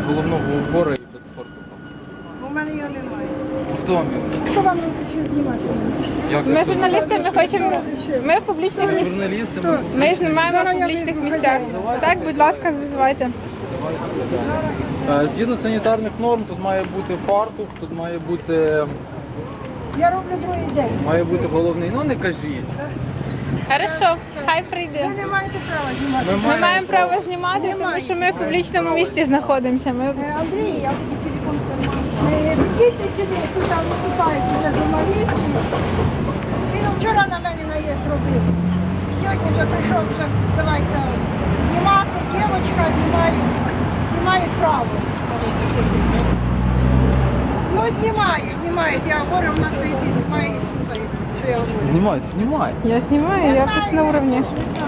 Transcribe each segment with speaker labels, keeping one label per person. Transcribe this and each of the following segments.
Speaker 1: головного убору і без фартуха.
Speaker 2: У мене його немає.
Speaker 1: Хто вам його?
Speaker 2: Хто вам ще знімати?
Speaker 1: Як це
Speaker 3: Ми
Speaker 1: хто
Speaker 3: журналісти, ми хочемо. Ми в публічних
Speaker 1: Ви
Speaker 3: місцях.
Speaker 1: журналісти,
Speaker 3: Ми знімаємо в публічних місцях. Так, будь ласка, звізувайте.
Speaker 1: Згідно санітарних норм, тут має бути фартух, тут має бути
Speaker 2: Другий день.
Speaker 1: головний. Ну не кажіть.
Speaker 3: Хорошо, хай прийде.
Speaker 2: Ви не маєте права знімати.
Speaker 3: Ми маємо право знімати, тому що ми в публічному місці знаходимося. Ми...
Speaker 2: Андрій, я тобі телефон підійдіть сюди, тут там виступають вже журналісти. Він вчора на мене наїзд робив. І сьогодні вже прийшов, вже давайте знімати, дівчинка знімають право. Ну, знімають. Я говорю, в нас стоїть і знімає і слухає, що я говорю.
Speaker 1: Знімайте.
Speaker 3: Я знімаю, я просто на уровні.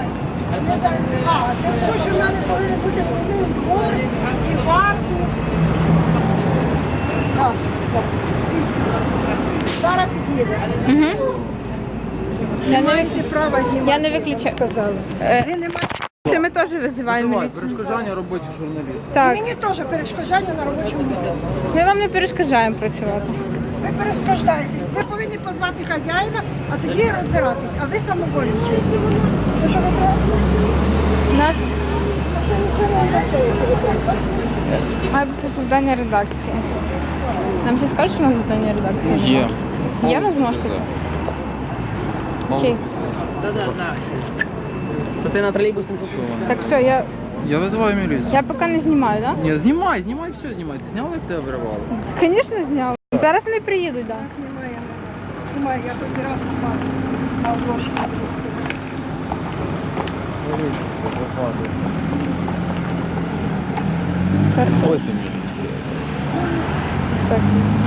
Speaker 2: Це тому, що в мене повинен бути повний двор і варту. Так. Зараз під'їде.
Speaker 3: Я
Speaker 2: Не маєте права знімати.
Speaker 3: Я не виключаю.
Speaker 2: Сказали.
Speaker 3: Е,
Speaker 2: Ви не маєте.
Speaker 3: Це ми теж визиваємо
Speaker 1: Визивай,
Speaker 3: міліцію.
Speaker 1: перешкоджання робочих журналістів.
Speaker 3: Так,
Speaker 2: Мені теж перешкоджання на робочому місці.
Speaker 3: ми вам не перешкоджаємо працювати.
Speaker 2: Ви перешкоджаєте. Ви повинні позвати хазяїна, а тоді розбиратись. А ви самовольничаєте. Ну що ви треба?
Speaker 3: У нас
Speaker 2: А ще нічого не означає, що ви треба.
Speaker 3: має бути завдання редакції. Нам ще скажуть, що у нас завдання редакції?
Speaker 1: Є.
Speaker 3: Є у нас бумажка? Окей.
Speaker 4: То ти на тролейбусі не
Speaker 3: Так, все,
Speaker 1: Я визиваю міліцію.
Speaker 3: я поки не знімаю, так?
Speaker 1: Ні, знімай, все знімай. Ти зняла, як тебе виривало?
Speaker 3: Да? Звісно, зняв. Зараз вони приїдуть, так.
Speaker 2: Немає, я побирав спати. А ложку.
Speaker 1: Ось і міліція.
Speaker 3: Так.